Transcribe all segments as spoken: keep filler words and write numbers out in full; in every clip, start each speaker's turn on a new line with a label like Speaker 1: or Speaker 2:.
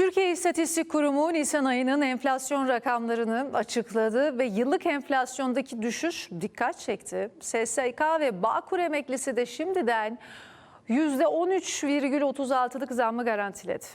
Speaker 1: Türkiye İstatistik Kurumu Nisan ayının enflasyon rakamlarını açıkladı ve yıllık enflasyondaki düşüş dikkat çekti. S S K ve Bağkur emeklisi de şimdiden yüzde on üç virgül otuz altılık zammı garantiledi.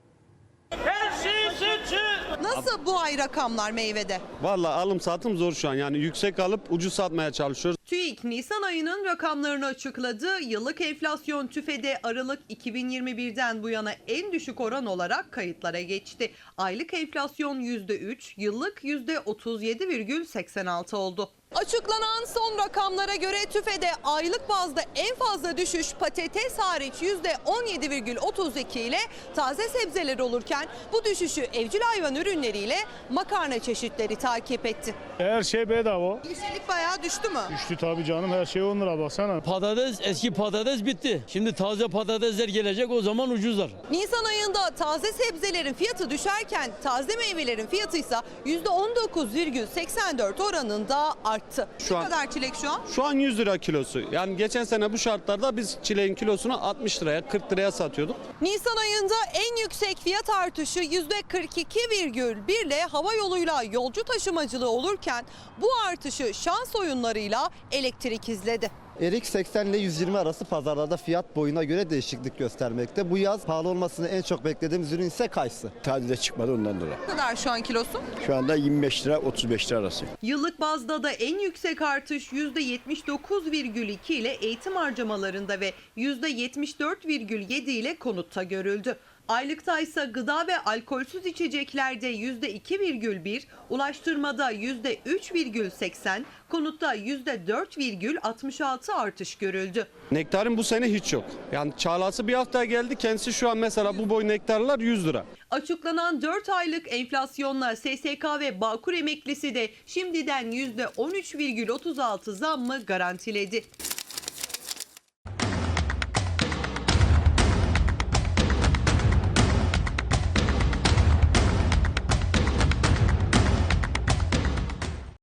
Speaker 2: Her şey suçu.
Speaker 3: Nasıl bu ay rakamlar meyvede?
Speaker 4: Vallahi alım satım zor şu an. Yani yüksek alıp ucuz satmaya çalışıyoruz.
Speaker 3: TÜİK Nisan ayının rakamlarını açıkladı. Yıllık enflasyon TÜFE'de Aralık iki bin yirmi birden bu yana en düşük oran olarak kayıtlara geçti. Aylık enflasyon yüzde üç, yıllık yüzde otuz yedi virgül seksen altı oldu. Açıklanan son rakamlara göre TÜFE'de aylık bazda en fazla düşüş patates hariç yüzde on yedi virgül otuz iki ile taze sebzeler olurken bu düşüşü evcil hayvan ürünleriyle makarna çeşitleri takip etti.
Speaker 5: Her şey bedava.
Speaker 3: Yeşillik bayağı düştü mü?
Speaker 5: Düştü tabii canım, her şey on lira baksana.
Speaker 6: Patates, eski patates bitti. Şimdi taze patatesler gelecek, o zaman ucuzlar.
Speaker 3: Nisan ayında taze sebzelerin fiyatı düşerken taze meyvelerin fiyatı ise yüzde on dokuz virgül seksen dört oranında arttı.
Speaker 4: Şu
Speaker 3: ne
Speaker 4: an-
Speaker 3: kadar çilek şu an?
Speaker 4: Şu an yüz lira kilosu. Yani geçen sene bu şartlarda biz çileğin kilosunu altmış liraya kırk liraya satıyorduk.
Speaker 3: Nisan ayında en yüksek fiyat artışı yüzde kırk iki virgül bir ile hava yoluyla yolcu taşımacılığı olurken bu artışı şans oyunlarıyla elektrik izledi.
Speaker 7: Erik seksen ile yüz yirmi arası pazarlarda fiyat boyuna göre değişiklik göstermekte. Bu yaz pahalı olmasını en çok beklediğimiz ürün ise kayısı.
Speaker 8: Tadile çıkmadı ondan dolayı.
Speaker 3: Ne kadar şu an kilosu?
Speaker 8: Şu anda yirmi beş lira otuz beş lira arası.
Speaker 3: Yıllık bazda da en yüksek artış yüzde yetmiş dokuz virgül iki ile eğitim harcamalarında ve yüzde yetmiş dört virgül yedi ile konutta görüldü. Aylıkta ise gıda ve alkolsüz içeceklerde yüzde iki virgül bir, ulaştırmada yüzde üç virgül seksen, konutta yüzde dört virgül altmış altı artış görüldü.
Speaker 4: Nektarın bu sene hiç yok. Yani çağlası bir hafta geldi. Kendisi şu an mesela bu boy nektarlar yüz lira.
Speaker 3: Açıklanan dört aylık enflasyonla S S K ve Bağkur emeklisi de şimdiden yüzde on üç virgül otuz altı zammı garantiledi.